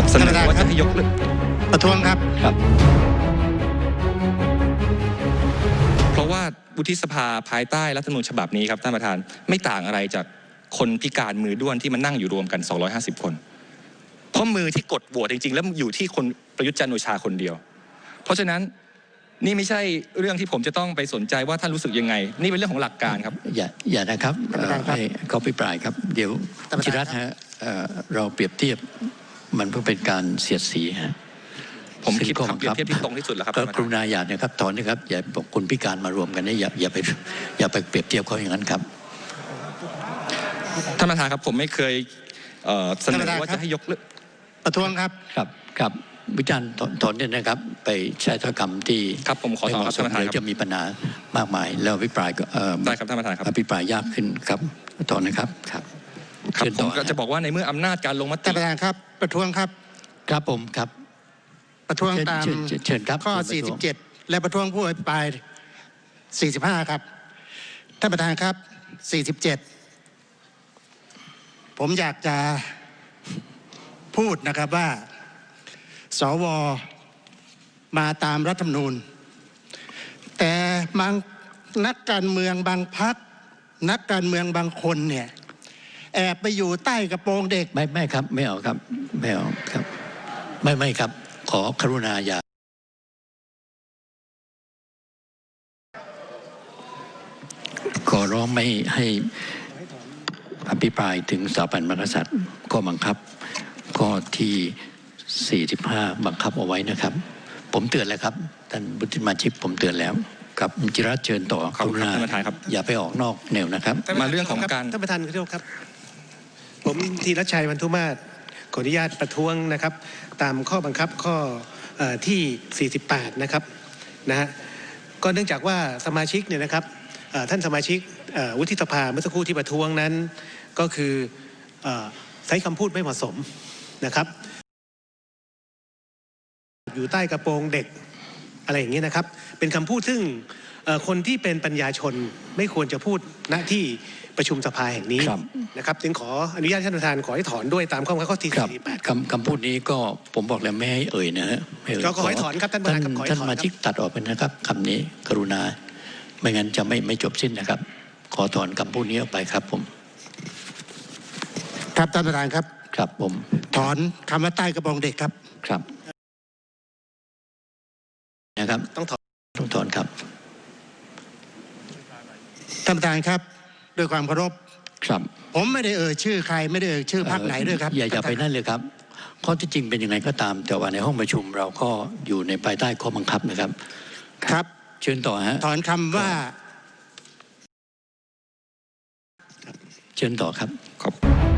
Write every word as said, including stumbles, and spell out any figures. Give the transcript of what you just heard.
เสนอว่าจะให้ยกเลิกประท้วงครับครับเพราะว่าวุฒิสภาภายใต้รัฐธรรมนูญฉบับนี้ครับท่านประธานไม่ต่างอะไรจากคนพิการมือด้วนที่มันนั่งอยู่รวมกันสองร้อยห้าสิบคนเพราะมือที่กดโหวตจริงๆแล้วอยู่ที่คนประยุทธ์จันทร์โอชาคนเดียวเพราะฉะนั้นนี่ไม่ใช่เรื่องที่ผมจะต้องไปสนใจว่าท่านรู้สึกยังไงนี่เป็นเรื่องของหลักการครับอย่าอย่านะครับให้เขาพิปรายครับเดี๋ยวจิรัตน์ฮะเราเปรียบเทียบมันเพื่อเป็นการเสียดสีฮะผมคิดคำเปรียบเทียบที่ตรงที่สุดแล้วครับก็กรุณาอย่านะครับถอนนะครับอย่าบอกคนพิการมารวมกันนี่อย่าอย่าไปอย่าไปเปรียบเทียบเขาอย่างนั้นครับท่านประธานครับผมไม่เคยเสนอว่าจะให้ยกเลิกประท้วงครับครับครับวิจารณ์ถอนเนี่ยนะครับไปใช้ถ้อยคำที่ครับผมขอถอนครับท่านประธานครับจะมีปัญหามากมายแล้วอภิปรายก็ได้ครับท่านประธานครับอภิปรายยากขึ้นครับถอนนะครับครับครับผมก็จะบอกว่าในเมื่ออำนาจการลงมติท่านประธานครับประท้วงครับครับผมครับประท้วงตามเชิญครับข้อสี่สิบเจ็ดและประท้วงผู้อภิปรายสี่สิบห้าครับท่านประธานครับสี่สิบเจ็ดผมอยากจะพูดนะครับว่าสวมาตามรัฐธรรมนูญแต่บางนักการเมืองบางพรรคนักการเมืองบางคนเนี่ยแอบไปอยู่ใต้กระโปรงเด็กไม่ไม่ครับไม่เอาครับไม่เอาครับไม่ไม่ครับขอกรุณาอย่าขอร้องไม่ให้อภิปรายถึงสถาบันมหากษัตริย์ข้อบังคับข้อที่สี่สิบห้าบังคับเอาไว้นะครับผมเตือนแล้วครับท่านบุตรมาชิกผมเตือนแล้วครับจิรัตน์เชิญต่อขอบคุณท่านประธานครับอย่าไปออกนอกแนวนะครับมาเรื่องของการท่านประธานขอโทษครับผมธีรชัย วรรณุมาศขออนุญาตประท้วงนะครับตามข้อบังคับข้อที่สี่สิบแปดนะครับนะฮะก็เนื่องจากว่าสมาชิกเนี่ยนะครับท่านสมาชิกวุฒิสภาเมื่อสักครู่ที่ประท้วงนั้นก็คือใช้คำพูดไม่เหมาะสมนะครับอยู่ใต้กระโปรงเด็กอะไรอย่างนี้นะครับเป็นคำพูดซึ่งคนที่เป็นปัญญาชนไม่ควรจะพูดณที่ประชุมสภาแห่งนี้นะครับจึงขออนุญาตท่านประธานขอให้ถอนด้วยตามข้อบังคับข้อที่สี่สิบแปดคำคำพูดนี้ก็ผมบอกแล้วไม่ให้เอ่ยนะฮะก็ขอให้ถอนครับท่านประธานท่านสมาชิกตัดออกไปนะครับคำนี้กรุณาไม่งั้นจะไม่ไม่จบสิ้นนะครับขอถอนคำพูดนี้ออกไปครับผมครับท่านประธานครับครับผมถอนคำว่าใต้กระโปรงเด็กครับครับนะครับต้องถอนต้องถอนครับท่านประธานครับด้วยความเคารพครับผมไม่ได้เอ่ยชื่อใครไม่ได้เอ่ยชื่อพรรคไหนด้วยครับอย่าอย่าไปนั่นเลยครับข้อที่จริงเป็นยังไงก็ตามแต่ว่าในห้องประชุมเราก็อยู่ในภายใต้ข้อบังคับนะครับครับเชิญต่อฮะถอนคำว่าเชิญต่อครับขอบ